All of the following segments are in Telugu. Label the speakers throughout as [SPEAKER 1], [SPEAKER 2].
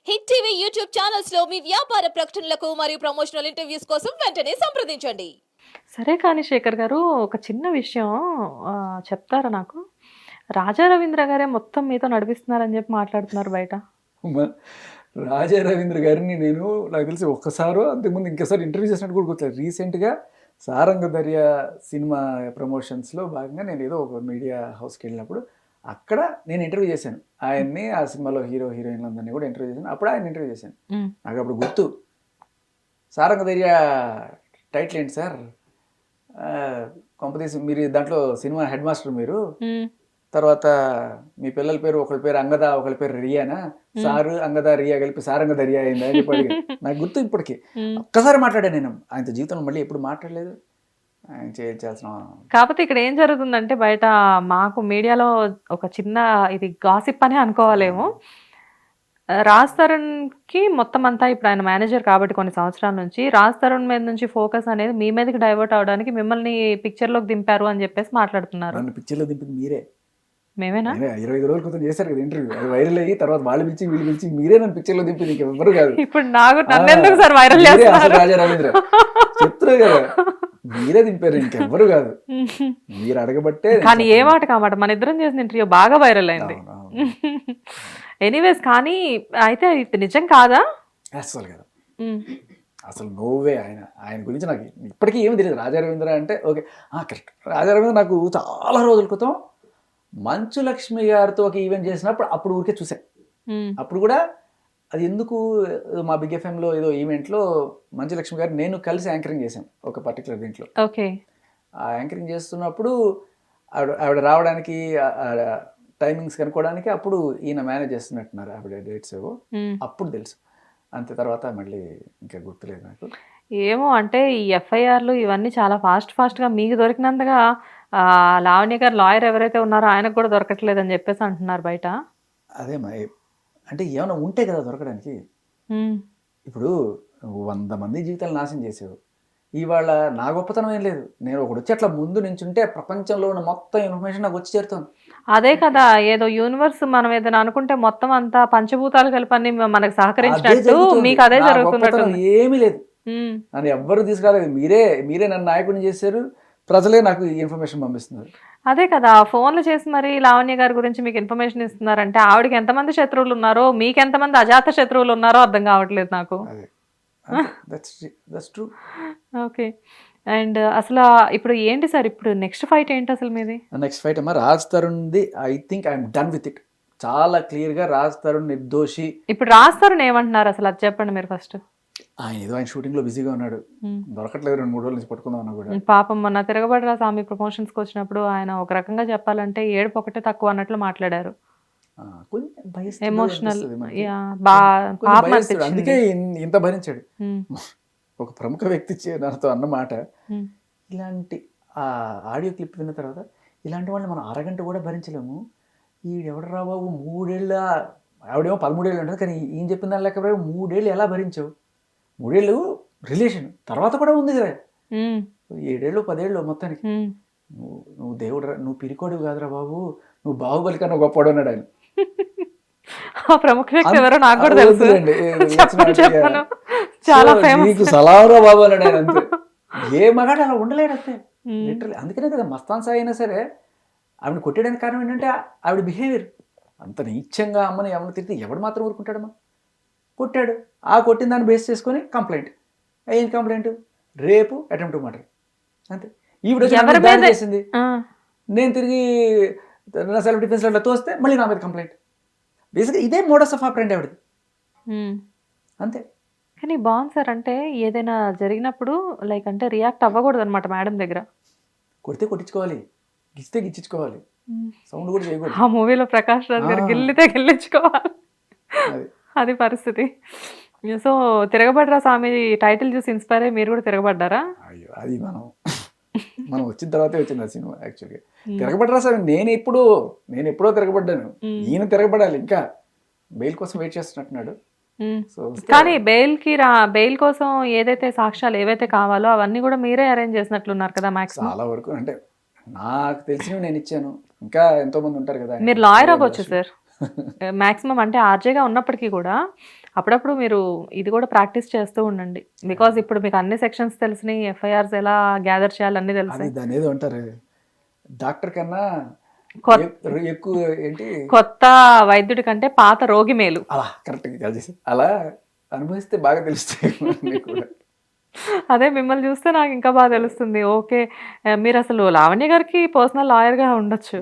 [SPEAKER 1] హిట్ టీవీ యూట్యూబ్ ఛానల్స్ లో మీ వ్యాపార ప్రకటనలకు మరియు ప్రమోషనల్ ఇంటర్వ్యూస్ కోసం వెంటనే సంప్రదించండి.
[SPEAKER 2] సరే కానీ శేఖర్ గారు ఒక చిన్న విషయం చెప్తారా నాకు? రాజా రవీంద్ర గారే మొత్తం మీతో నడిపిస్తున్నారని చెప్పి మాట్లాడుతున్నారు బయట.
[SPEAKER 3] మ- రాజా రవీంద్ర గారిని నేను నాకు తెలిసి ఒక్కసారో అంతకుముందు ఇంకోసారి ఇంటర్వ్యూ చేసినట్టు కూడా గుర్తులేదు. రీసెంట్గా సారంగ దర్యా సినిమా ప్రమోషన్స్లో భాగంగా నేను ఏదో ఒక మీడియా హౌస్కి వెళ్ళినప్పుడు అక్కడ నేను ఇంటర్వ్యూ చేశాను ఆయన్ని. ఆ సినిమాలో హీరో హీరోయిన్లందరినీ కూడా ఇంటర్వ్యూ చేశాను. అప్పుడు ఆయన ఇంటర్వ్యూ చేశాను.
[SPEAKER 2] ఉమ్,
[SPEAKER 3] నాకు అప్పుడు గుర్తు, సారంగ దర్యా టైటిల్ ఏంటి సార్, ఆ, కొంపతీసి మీరు దాంట్లో సినిమా హెడ్ మాస్టర్ మీరు,
[SPEAKER 2] ఉమ్,
[SPEAKER 3] తర్వాత మీ పిల్లల పేరు ఒకళ్ళ పేరు అంగద ఒకళ్ళ పేరు రియానా, సారు అంగద రియా కలిపి సారంగ దర్యా అయిందా అని చెప్పి అడిగాడు. నాకు గుర్తు ఇప్పటికి.
[SPEAKER 2] ఉమ్.
[SPEAKER 3] ఒక్కసారి మాట్లాడాను నేను, ఆయనతో జీవితంలో మళ్ళీ ఎప్పుడు మాట్లాడలేదు. ఆయన చేయాల్సిన
[SPEAKER 2] కాకపోతే ఇక్కడ ఏం జరుగుతుందంటే బయట మాకు మీడియాలో ఒక చిన్న ఇది గాసిప్ అని అనుకోవాలేమో. రాజ్ తరుణ్కి మొత్తం అంతా ఇప్పుడు ఆయన మేనేజర్ కాబట్టి కొన్ని సంవత్సరాల నుంచి రాజ్ తరుణ్ మీద నుంచి ఫోకస్ అనేది మీ మీదకి డైవర్ట్ అవడానికి మిమ్మల్ని పిక్చర్లోకి దింపారు అని చెప్పేసి మాట్లాడుతున్నారు.
[SPEAKER 3] నన్ను పిక్చర్లో దింపింది మీరే.
[SPEAKER 2] మేమేనా?
[SPEAKER 3] 25 రోజుల క్రితం చేశారు కదా ఇంటర్వ్యూ, అది వైరల్ అయ్యి తర్వాత వాళ్ళు పిలిచి వీళ్ళు పిలిచి మీరే నన్ను పిక్చర్లో దింపింది, ఇంకెవ్వరు కాదు.
[SPEAKER 2] ఇప్పుడు నన్ను ఎందుకు సార్ వైరల్
[SPEAKER 3] మీరే అసలు
[SPEAKER 2] చేస్తున్నారు?
[SPEAKER 3] రాజా రవీంద్ర చెప్తున్నారు కదా, మీరే దింపారు, ఇంకెవ్వరు కాదు. మీరు అడగబట్టే నేను
[SPEAKER 2] కానీ ఏ
[SPEAKER 3] చెప్పాను.
[SPEAKER 2] మాట కామాట మన ఇద్దరం చేసిన ఇంటర్వ్యూ బాగా వైరల్ అయింది.
[SPEAKER 3] అవును, అవును.
[SPEAKER 2] ఎనీవేస్ కానీ అయితే ఇది నిజం కాదా?
[SPEAKER 3] అస్సలు కదా,
[SPEAKER 2] ఉమ్,
[SPEAKER 3] అసలు నోవే. ఆయన గురించి నాకు ఇప్పటికీ ఏమీ తెలియదు. రాజా రవీంద్ర అంటే ఓకే, కరెక్ట్. రాజా రవీంద్ర నాకు చాలా రోజుల క్రితం మంచు లక్ష్మి గారితో ఒక ఈవెంట్ చేసినప్పుడు అప్పుడు ఊరికే చూసాను.
[SPEAKER 2] ఉమ్,
[SPEAKER 3] అప్పుడు కూడా అది ఎందుకు, మా బిగ్ ఎఫ్ఎంలో ఏదో ఈవెంట్లో మంచు లక్ష్మి గారు నేను కలిసి యాంకరింగ్ చేశాను ఒక పర్టికులర్ దీంట్లో.
[SPEAKER 2] ఓకే.
[SPEAKER 3] ఆ యాంకరింగ్ చేస్తున్నప్పుడు ఆవిడ రావడానికి టైమింగ్స్ కనుక్కోవడానికి అప్పుడు ఈయన మేనేజ్ చేస్తున్నట్టున్నారు ఆవిడ డేట్స్ ఏవో.
[SPEAKER 2] ఉమ్.
[SPEAKER 3] అప్పుడు తెలుసు, అంతే. తర్వాత మళ్ళీ ఇంకా గుర్తులేదు నాకు.
[SPEAKER 2] ఏమో అంటే ఈ ఎఫ్ఐఆర్లు ఇవన్నీ చాలా ఫాస్ట్గా మీకు దొరికినంతగా లావణ్య గారు లాయర్ ఎవరైతే ఉన్నారో ఆయనకు కూడా దొరకట్లేదని చెప్పేసి అంటున్నారు బయట.
[SPEAKER 3] అదే అంటే ఏమైనా ఉంటే కదా దొరకడానికి.
[SPEAKER 2] ఉమ్,
[SPEAKER 3] ఇప్పుడు 100 మంది జీవితాలు నాశనం చేసావు, ఇవాళ నా గొప్పతనం ఏం లేదు. నేను ఒకటి వచ్చి అట్లా ముందు నుంచుంటే ప్రపంచంలో ఉన్న మొత్తం ఇన్ఫర్మేషన్ నాకు వచ్చి చేరుతుంది.
[SPEAKER 2] అదే కదా, ఏదో యూనివర్స్ మనం ఏదైనా అనుకుంటే మొత్తం అంతా పంచభూతాలు కలిపి మనకు
[SPEAKER 3] అదే
[SPEAKER 2] సహకరించినట్టు
[SPEAKER 3] జరుగుతుంది.
[SPEAKER 2] మీకు అదే
[SPEAKER 3] నా
[SPEAKER 2] జరుగుతున్నట్టు.
[SPEAKER 3] గొప్పతనం ఏమీ లేదు, నన్ను ఎవ్వరు తీసుకురాలేదు. మీరే నన్ను నాయకుడిని చేశారు, ప్రజలే నాకు ఈ ఇన్ఫర్మేషన్ పంపిస్తున్నారు.
[SPEAKER 2] అదే కదా, ఫోన్లు చేసి మరి లావణ్య గారి గురించి మీకు ఇన్ఫర్మేషన్ ఇస్తున్నారంటే ఆవిడకి ఎంతమంది శత్రువులు ఉన్నారో మీకు ఎంతమంది అజాత శత్రువులు ఉన్నారో అర్థం కావట్లేదు నాకు.
[SPEAKER 3] అదే, దట్స్ ట్రూ.
[SPEAKER 2] ఓకే. అండ్ అసలు ఇప్పుడు ఏంటి సార్, ఇప్పుడు నెక్స్ట్ ఫైట్ ఏంటి అసలు మీది?
[SPEAKER 3] నెక్స్ట్ ఫైట్ అమ్మా రాజ్ తరుణ్ది. I think I'm done with it. చాలా క్లియర్గా రాజ్ తరుణ్ నిర్దోషి.
[SPEAKER 2] ఇప్పుడు రాస్తారు ఏమంటున్నారు అసలు అది చెప్పండి మీరు ఫస్ట్.
[SPEAKER 3] ఆయన షూటింగ్లో బిజీగా ఉన్నాడు, దొరకట్లేదు. 2-3 రోజుల నుంచి పట్టుకుందాం అన్నా కూడా.
[SPEAKER 2] పాపం మొన్న తిరగబడరా స్వామి ప్రమోషన్స్కి వచ్చినప్పుడు ఆయన ఒక రకంగా చెప్పాలంటే ఏడుపు ఒకటే తక్కువ అన్నట్లు మాట్లాడారు.
[SPEAKER 3] కొంచెం
[SPEAKER 2] ఎమోషనల్
[SPEAKER 3] భయస్తుంది.
[SPEAKER 2] పాపం అనిపించింది.
[SPEAKER 3] అందుకే ఇంత భరించాడు.
[SPEAKER 2] ఉమ్,
[SPEAKER 3] ఒక ప్రముఖ వ్యక్తి నాతో అన్నమాట,
[SPEAKER 2] ఉమ్,
[SPEAKER 3] ఇలాంటి ఆడియో క్లిప్ విన్న తర్వాత ఇలాంటి వాళ్ళని మనం అరగంట కూడా భరించలేము. ఈడెవడరా బాబు 3 ఏళ్ళ, ఆవిడేమో 13 ఏళ్ళు ఉంటుంది, కానీ ఈయన చెప్పిన దాని లెక్క 3 ఏళ్ళు ఎలా భరించావు? 3 ఏళ్ళు రిలేషన్ తర్వాత కూడా ఉంది కదా,
[SPEAKER 2] ఉమ్,
[SPEAKER 3] 7 ఏళ్ళు 10 ఏళ్ళు మొత్తానికి.
[SPEAKER 2] ఉమ్.
[SPEAKER 3] నువ్వు దేవుడు, నువ్వు పిరికోడివి కాదురా బాబు, నువ్వు బాహుబలి కన్నా గొప్పవాడు అన్నాడు ఆయన.
[SPEAKER 2] ఆ ప్రముఖ వ్యక్తి ఎవరో నాకు కూడా తెలుసు.
[SPEAKER 3] వద్దులేండి,
[SPEAKER 2] చెప్పను చాలా
[SPEAKER 3] సో
[SPEAKER 2] ఫేమస్.
[SPEAKER 3] నీకు సలాంరా బాబు అన్నాడు ఆయన. అంతే, ఏ మగాడు అలా ఉండలేడు అంతే లిటరల్లీ. అందుకనే కదా మస్తాన్ సాయి అయినా సరే ఆవిడ కొట్టడానికి కారణం ఏంటంటే ఆవిడ బిహేవియర్ అంత నీచంగా. అమ్మని ఎవరిని తిరిగితే ఎవడు మాత్రం ఊరుకుంటాడమ్మా? కొట్టాడు, ఆ కొట్టిన దాన్ని బేస్ చేసుకొని కంప్లైంట్. ఏం కంప్లైంట్? రేపు అటెంప్ట్ మర్డర్. అంతే. ఈవిడ వచ్చి నా మీద దాడి చేసింది, నేను తిరిగి నా సెల్ఫ్ డిఫెన్స్లో తోస్తే మళ్ళీ నా మీద కంప్లైంట్. బేసిక్గా ఇదే మోడస్ ఆఫ్ ఆపరెండి ఆవిడది. అంతే.
[SPEAKER 2] కానీ బాగుంది సార్, అంటే ఏదైనా జరిగినప్పుడు లైక్ అంటే రియాక్ట్ అవ్వకూడదు అనమాట మేడం దగ్గర.
[SPEAKER 3] కొడితే కొట్టించుకోవాలి, గిచ్చితే గిచ్చించుకోవాలి, సౌండ్ కూడా చేయకూడదు.
[SPEAKER 2] ఆ మూవీలో ప్రకాష్ రాజ్ గారు గిల్లితే గిల్లించుకోవాలి,
[SPEAKER 3] అది
[SPEAKER 2] అది పరిస్థితి. సో తిరగబడ్రా స్వామి టైటిల్ చూసి ఇన్స్పైర్ అయ్యి మీరు కూడా తిరగబడ్డారా?
[SPEAKER 3] అయ్యో, అది మనం వచ్చిన తర్వాతే వచ్చింది ఆ సినిమా. యాక్చువల్గా తిరగబడ్డా సార్, నేను ఎప్పుడో తిరగబడ్డాను. ఈయన తిరగబడాలి, ఇంకా బెయిల్ కోసం వెయిట్ చేస్తున్నట్టున్నాడు. సో
[SPEAKER 2] కానీ బెయిల్ కోసం ఏదైతే సాక్ష్యాలు ఏవైతే కావాలో అవన్నీ కూడా మీరే అరేంజ్ చేసినట్లున్నారు కదా మాక్సిమం.
[SPEAKER 3] చాలా వరకు అంటే నాకు తెలిసినవి నేను ఇచ్చాను, ఇంకా ఎంతో మంది ఉంటారు కదా.
[SPEAKER 2] మీరు లాయర్ అవ్వచ్చు సార్ మాక్సిమం. అంటే ఆర్జేగా ఉన్నప్పటికీ కూడా అప్పుడప్పుడు మీరు ఇది కూడా ప్రాక్టీస్ చేస్తూ ఉండండి. బికాజ్ ఇప్పుడు మీకు అన్ని సెక్షన్స్ తెలిసినాయి, ఎఫ్ఐఆర్స్ ఎలా గ్యాదర్ చేయాలి అన్నీ
[SPEAKER 3] అది
[SPEAKER 2] తెలిసాయి.
[SPEAKER 3] దాని ఏదో అంటారు, డాక్టర్ కన్నా ఎక్కువ ఏంటి,
[SPEAKER 2] కొత్త వైద్యుడి కంటే పాత రోగి మేలు.
[SPEAKER 3] అలా కరెక్ట్గా కలిసి అలా అనుభవిస్తే బాగా తెలుస్తాయి అన్నీ కూడా.
[SPEAKER 2] అదే మిమ్మల్ని చూస్తే నాకు ఇంకా బాగా తెలుస్తుంది. ఓకే, మీరు అసలు లావణ్య గారికి పర్సనల్ లాయర్గా ఉండొచ్చు.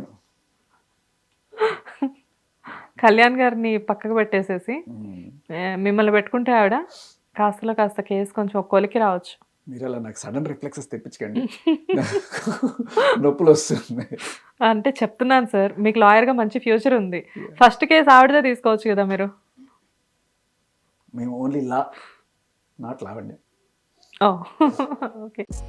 [SPEAKER 2] కళ్యాణ్ గారిని పక్కకు పెట్టేసేసి మిమ్మల్ని పెట్టుకుంటే ఆవిడ కాస్తలో కాస్త కేసు కొంచెం కొలికి రావచ్చు.
[SPEAKER 3] మీరు అలా నాకు సడన్ రిఫ్లెక్సెస్ తెప్పించకండి, నొప్పులు వస్తున్నాయి.
[SPEAKER 2] అంటే చెప్తున్నాను సార్, మీకు లాయర్గా మంచి ఫ్యూచర్ ఉంది. ఫస్ట్ కేసు ఆవిడదే తీసుకోవచ్చు కదా మీరు.
[SPEAKER 3] మేము ఓన్లీ లా, నాట్ లావండి.
[SPEAKER 2] Oh okay.